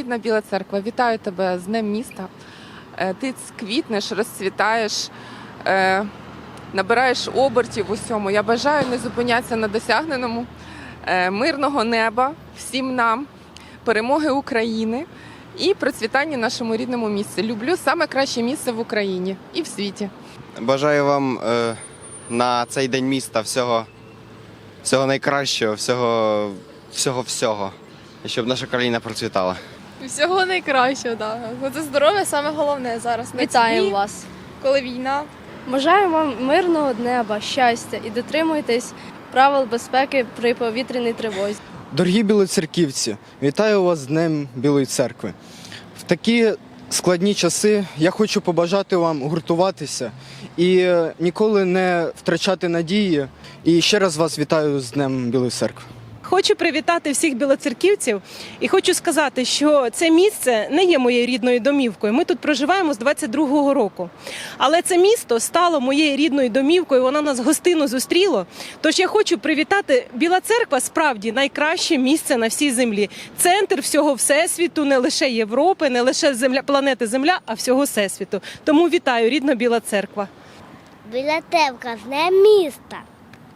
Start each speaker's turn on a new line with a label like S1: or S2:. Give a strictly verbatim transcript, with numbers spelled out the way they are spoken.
S1: рідна Біла Церква, вітаю тебе з Днем міста. Е, Ти квітнеш, розцвітаєш, е, набираєш обертів в усьому. Я бажаю не зупинятися на досягненому, е, мирного неба всім нам, перемоги України і процвітання нашому рідному місці. Люблю саме краще місце в Україні і в світі.
S2: Бажаю вам е, на цей день міста всього, всього найкращого, всього, всього, всього, і щоб наша країна процвітала.
S3: Всього найкращого, так. Да. Це здоров'я саме головне зараз. На
S4: Вітаємо
S3: ці,
S4: вас!
S3: коли війна.
S4: Бажаю вам мирного неба, щастя і дотримуйтесь правил безпеки при повітряній тривозі.
S5: Дорогі білоцерківці, вітаю вас з Днем Білої Церкви. В такі складні часи я хочу побажати вам гуртуватися і ніколи не втрачати надії. І ще раз вас вітаю з Днем Білої Церкви.
S6: Хочу привітати всіх білоцерківців і хочу сказати, що це місце не є моєю рідною домівкою. Ми тут проживаємо з двадцять другого року. Але це місто стало моєю рідною домівкою, воно нас гостинно зустріло. Тож я хочу привітати, Біла Церква справді найкраще місце на всій землі. Центр всього Всесвіту, не лише Європи, не лише земля, планети Земля, а всього Всесвіту. Тому вітаю, рідна Біла Церква.
S7: Біла Церква, з Днем міста.